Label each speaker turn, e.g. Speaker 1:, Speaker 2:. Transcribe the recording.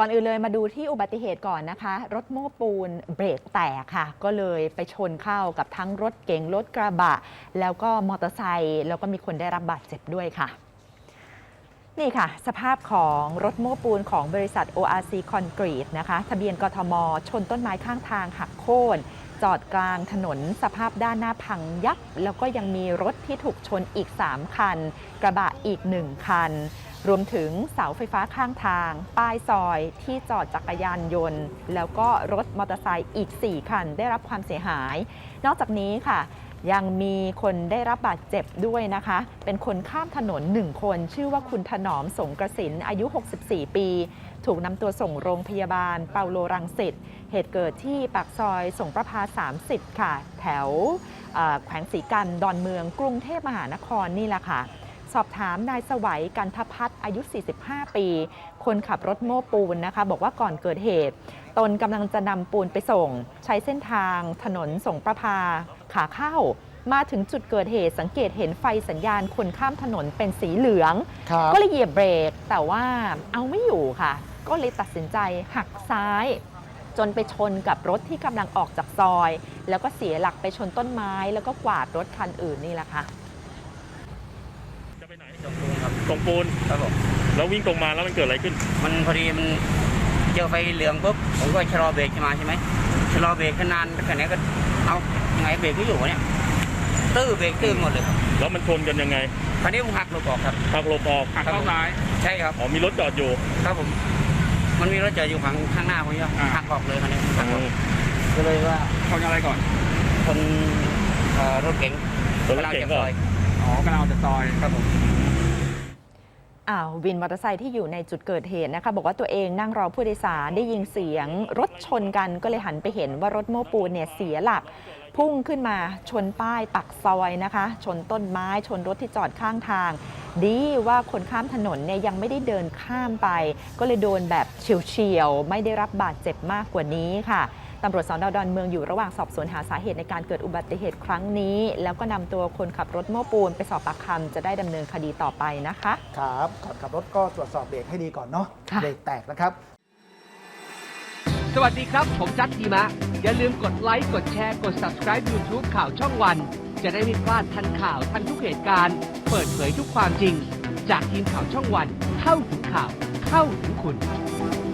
Speaker 1: ก่อนอื่นเลยมาดูที่อุบัติเหตุก่อนนะคะรถโม้ปูนเบรกแตกค่ะก็เลยไปชนเข้ากับทั้งรถเก๋งรถกระบะแล้วก็มอเตอร์ไซค์แล้วก็มีคนได้รับบาดเจ็บด้วยค่ะนี่ค่ะสภาพของรถโม้ปูนของบริษัท ORC Concrete นะคะทะเบียนกทมชนต้นไม้ข้างทางหักโค่นจอดกลางถนนสภาพด้านหน้าพังยับแล้วก็ยังมีรถที่ถูกชนอีก3คันกระบะอีก1คันรวมถึงเสาไฟฟ้าข้างทางป้ายซอยที่จอดจักรยานยนต์แล้วก็รถมอเตอร์ไซค์อีก4คันได้รับความเสียหายนอกจากนี้ค่ะยังมีคนได้รับบาดเจ็บด้วยนะคะเป็นคนข้ามถนน1คนชื่อว่าคุณถนอมสงกระสินอายุ64ปีถูกนำตัวส่งโรงพยาบาลเปาโลรังสิตเหตุเกิดที่ปากซอยสงประภา30ค่ะแถวแขวงศรีกันดอนเมืองกรุงเทพมหานครนี่แหละค่ะสอบถามนายสวัยกันทพัฒน์อายุ45ปีคนขับรถโม้ปูนนะคะบอกว่าก่อนเกิดเหตุตนกำลังจะนำปูนไปส่งใช้เส้นทางถนนสงประภาขาเข้ามาถึงจุดเกิดเหตุสังเกตเห็นไฟสัญญาณคนข้ามถนนเป็นสีเหลืองก็เลยเหยียบเบรกแต่ว่าเอาไม่อยู่ค่ะก็เลยตัดสินใจหักซ้ายจนไปชนกับรถที่กำลังออกจากซอยแล้วก็เสียหลักไปชนต้นไม้แล้วก็กวาดรถคันอื่นนี่แหละค่ะ
Speaker 2: จะไปไหนตรงปูนครับตรงปูนครับผมแล้ววิ่งตรงมาแล้วมันเกิดอะไรขึ้น
Speaker 3: มันพอดีมันเจอไฟเหลืองปุ๊บผมก็ชะลอเบรกมาใช่ไหมชะลอเบรกนานแค่ไหนก็เอายังไงเบรกไม่อยู่เนี่ยตื้อเบรกตื้อหมดเลยครับ
Speaker 2: แล้วมันชนกันยังไง
Speaker 3: คราวนี้ผมหักหลบออกครับ
Speaker 2: หักหลบออก
Speaker 3: หักเข้าซ้ายใช่ครับ
Speaker 2: อ๋อมีรถจอดอยู่
Speaker 3: ครับผมมันมีรถจอดอยู่ข้างหน้าผมเนี่ยหักออกเลยคราวนี้ก็เลยว่า
Speaker 4: ชนอะไรก่อน
Speaker 3: คนรถเก๋ง
Speaker 2: รถเก๋งก่อน
Speaker 4: อ๋อกำลังออกจากซอย
Speaker 3: ครับผม
Speaker 1: วินมอเตอร์ไซค์ที่อยู่ในจุดเกิดเหตุนะคะบอกว่าตัวเองนั่งรอผู้โดยสารได้ยินเสียงรถชนกันก็เลยหันไปเห็นว่ารถโม้ปูนเนี่ยเสียหลักพุ่งขึ้นมาชนป้ายปักซอยนะคะชนต้นไม้ชนรถที่จอดข้างทางดีว่าคนข้ามถนนเนี่ยยังไม่ได้เดินข้ามไปก็เลยโดนแบบเฉียวๆไม่ได้รับบาดเจ็บมากกว่านี้ค่ะตำรวจสน.ดอนเมืองอยู่ระหว่างสอบสวนหาสาเหตุในการเกิดอุบัติเหตุครั้งนี้แล้วก็นำตัวคนขับรถโม้ปูนไปสอบปากคำจะได้ดำเนินคดีต่อไปนะคะ
Speaker 5: ครับก่อนขับรถก็ตรวจสอบเบรกให้ดีก่อนเนาะเบรกแตกนะครับ
Speaker 6: สวัสดีครับผมจัดทีมะอย่าลืมกดไลค์กดแชร์กด Subscribe YouTube ข่าวช่องวันจะได้ไม่พลาดทันข่าวทันทุกเหตุการณ์เปิดเผยทุกความจริงจากทีมข่าวช่องวันเข้าถึงข่าวเข้าถึงคุณ